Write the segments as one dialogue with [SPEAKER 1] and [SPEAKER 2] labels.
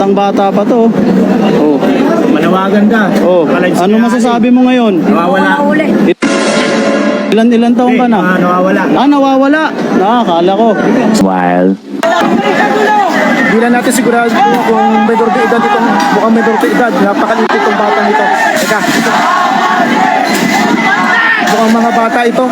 [SPEAKER 1] Ang bata pa to. Oh.
[SPEAKER 2] Manawagan ka.
[SPEAKER 1] Oh. Ano masasabi mo ngayon?
[SPEAKER 2] Nawawala.
[SPEAKER 1] Ilan taong ka na?
[SPEAKER 2] Nawawala.
[SPEAKER 1] Nawawala. Nakakala ko.
[SPEAKER 3] Smile.
[SPEAKER 2] Hindi na natin sigurado kung may dorte edad itong, mukhang may dorte edad. Napakaliit itong bata nito. Teka. Mukhang mga bata ito.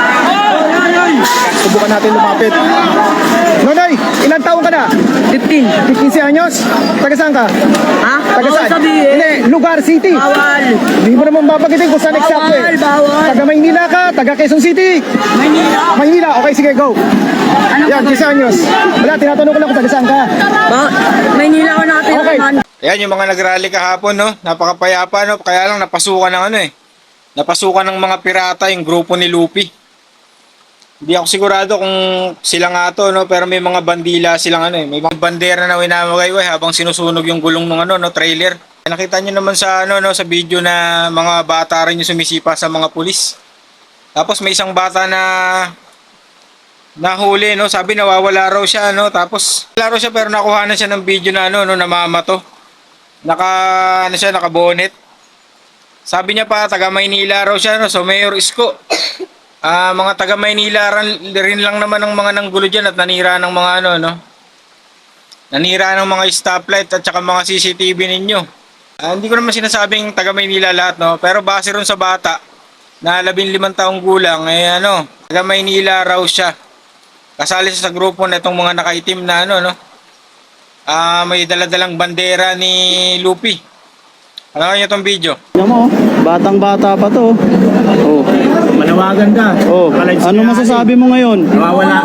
[SPEAKER 2] Subukan natin lumapit. Nonoy, ilang taong ka na?
[SPEAKER 4] 15.
[SPEAKER 2] 15 anyos? Taga saan ka?
[SPEAKER 4] Ha?
[SPEAKER 2] Taga
[SPEAKER 4] Bawal
[SPEAKER 2] saan?
[SPEAKER 4] sabihin.
[SPEAKER 2] Hindi, lugar, city.
[SPEAKER 4] Bawal.
[SPEAKER 2] Hindi mo naman babagitin kung saan eksakto eh.
[SPEAKER 4] Bawal.
[SPEAKER 2] Taga Maynila ka, taga Quezon City.
[SPEAKER 4] Maynila.
[SPEAKER 2] Maynila, okay sige, go.
[SPEAKER 4] Ano
[SPEAKER 2] Yan, 15 anyos. Wala, tinatanong ko lang kung taga saan ka.
[SPEAKER 4] Maynila ko natin.
[SPEAKER 2] Okay.
[SPEAKER 5] Ayan yung mga nagrally kahapon, no? Napakapayapa, no? Kaya lang napasukan ng ano eh. Napasukan ng mga pirata yung grupo ni Lupi. Hindi ako sigurado kung sila nga to, no? Pero may mga bandila silang ano eh. May mga bandera na winamagay habang sinusunog yung gulong ng ano, no? Trailer. Nakita niyo naman sa ano, no? Sa video na mga bata rin yung sumisipa sa mga pulis. Tapos may isang bata na nahuli, no? Sabi nawawala raw siya, no? Tapos wala raw siya pero nakuha na siya ng video na ano, no? Namamato. Naka-bonnet. Sabi niya pa, taga Maynila raw siya, no? So, Mayor Isko. Mga taga Maynila rin lang naman ng mga nanggulo dyan at nanira ng mga ano, no? Nanira ng mga stoplight at saka mga CCTV ninyo. Hindi ko naman sinasabing taga Maynila lahat, no? Pero base rin sa bata na 15 taong gulang, eh ano, taga Maynila raw siya. Kasali siya sa grupo na itong mga nakaitim na ano, no? May daladalang bandera ni Lupi. Ano niyo itong video?
[SPEAKER 1] Tingnan mo, batang-bata pa to. Oh.
[SPEAKER 2] Manawagan ka.
[SPEAKER 1] Oh. Ano masasabi mo ngayon?
[SPEAKER 2] Nawawala.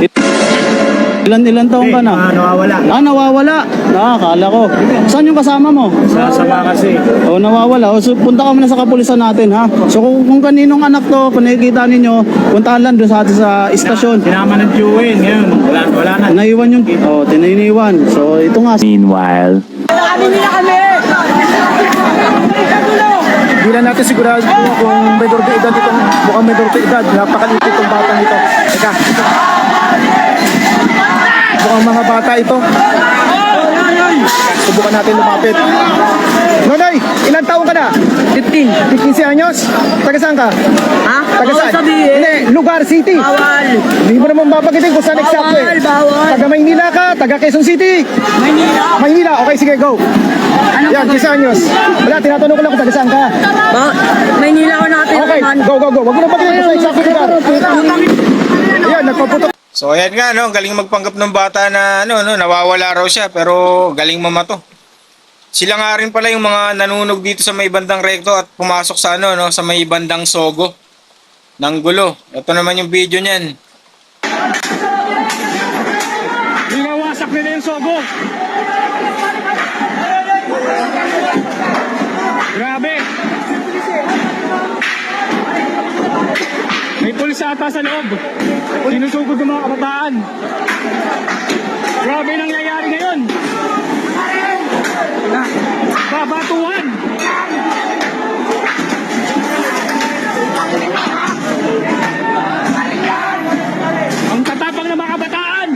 [SPEAKER 1] Ilan taong ka na?
[SPEAKER 2] Nawawala.
[SPEAKER 1] Nawawala. Nakakala ko. Saan yung kasama mo?
[SPEAKER 2] Sasama kasi.
[SPEAKER 1] Oh, nawawala. So, punta ka muna sa kapulisan natin, ha? So, kung kaninong anak to, kung nakikita ninyo, puntahan lang doon sa atin sa istasyon.
[SPEAKER 2] Sinama ng Jewin. Ngayon, wala na.
[SPEAKER 1] Naiwan yung... Oh, tininiwan. So, ito nga.
[SPEAKER 3] Meanwhile.
[SPEAKER 2] Hindi na natin sigurado kung may dorte edad itong, mukhang may dorte edad. Napakaliit itong bata nito. Teka. Mukhang mga bata ito. Subukan natin lumapit. Nonoy, ilang taong ka na?
[SPEAKER 4] 15.
[SPEAKER 2] 15 anyos? Taga saan ka?
[SPEAKER 4] Ha?
[SPEAKER 2] Taga
[SPEAKER 4] Bawal
[SPEAKER 2] saan?
[SPEAKER 4] sabihin.
[SPEAKER 2] Hindi, lugar, city.
[SPEAKER 4] Bawal.
[SPEAKER 2] Hindi mo naman babagitin kung saan eksakto eh.
[SPEAKER 4] Bawal.
[SPEAKER 2] Taga Maynila ka, taga Quezon City.
[SPEAKER 4] Maynila.
[SPEAKER 2] Maynila, okay sige, go.
[SPEAKER 4] Ano
[SPEAKER 2] Yan, 15 anyos. Wala, tinatanong ko lang kung taga saan ka.
[SPEAKER 4] Maynila ko natin.
[SPEAKER 2] Okay, go. Wag mo na bagitin kung saan eksakto lugar. Yan, nagpaputok.
[SPEAKER 5] So ayan nga, no? Galing magpanggap ng bata na ano, no? Nawawala raw siya pero galing mamato. Sila nga rin pala yung mga nanunog dito sa may bandang rekto at pumasok sa ano, no? Sa may bandang Sogo ng gulo. Ito naman yung video niyan.
[SPEAKER 2] Binawasak nila yung Sogo. Grabe. May pulis ata sa loob. Sinusugod ng mga kabataan. Grabe nangyayari ngayon. Babatuhan. Ang tatapang ng mga kabataan.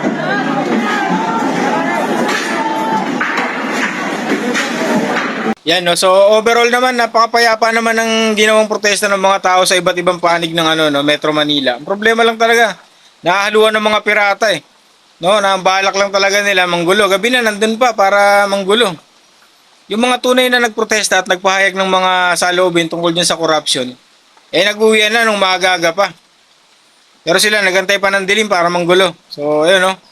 [SPEAKER 5] Yan, no? So overall naman napakapayapa naman ng ginawang protesta ng mga tao sa iba't ibang panig ng ano, no, Metro Manila. Ang problema lang talaga, nahahaluan ng mga pirata eh. No, nabalak lang talaga nila manggulo. Gabi na nandun pa para manggulo. Yung mga tunay na nagprotesta at nagpahayag ng mga saloobin tungkol dyan sa corruption, eh nag-uwian na nung maaga pa. Pero sila nagantay pa ng dilim para manggulo. So, ayun, no.